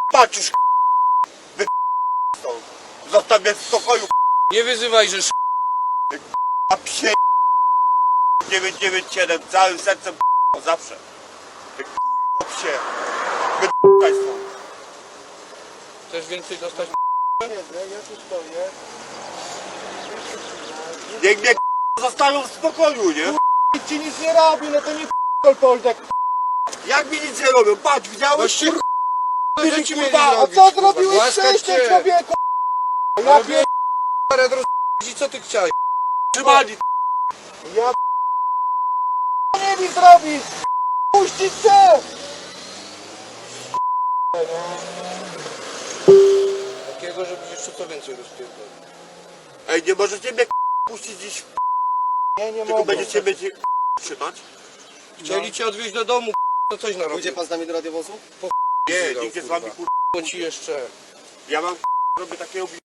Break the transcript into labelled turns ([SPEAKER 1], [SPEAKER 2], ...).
[SPEAKER 1] Patrzysz, wy stąd. Zostaw mnie w spokoju,
[SPEAKER 2] Nie wyzywaj, że
[SPEAKER 1] a psie 997 całym sercem zawsze. Ty psie. Wy stąd.
[SPEAKER 2] chcesz więcej dostać.
[SPEAKER 3] Ja tu stoję.
[SPEAKER 1] Niech mnie zostaną w spokoju, nie?
[SPEAKER 3] Nikt ci nic nie robi, no to nie Poldek.
[SPEAKER 1] Jak mi nic nie robią? Patrz, widziałeś?
[SPEAKER 2] Gościu, co ci mieli
[SPEAKER 3] A
[SPEAKER 2] zrobić,
[SPEAKER 3] co
[SPEAKER 2] kurwa?
[SPEAKER 3] zrobiłeś
[SPEAKER 2] Głaskać
[SPEAKER 3] wcześniej,
[SPEAKER 2] cię.
[SPEAKER 3] człowieku? Ja
[SPEAKER 2] Robię parę i co ty chciałeś?
[SPEAKER 1] Trzymali.
[SPEAKER 3] Ja nie mi zrobić! Puścić cię!
[SPEAKER 2] Takiego, żebyś jeszcze co więcej rozpierdolił.
[SPEAKER 1] Ej, nie możecie mnie puścić dziś,
[SPEAKER 3] Nie, nie
[SPEAKER 1] tylko
[SPEAKER 3] mogę.
[SPEAKER 1] będziecie mnie trzymać?
[SPEAKER 2] Chcieli cię odwieźć do domu, to coś narobił.
[SPEAKER 4] Pójdzie pan z nami do radiowozu?
[SPEAKER 1] Nie, nigdzie z wami
[SPEAKER 2] Bo ci jeszcze.
[SPEAKER 1] Ja mam robię takiego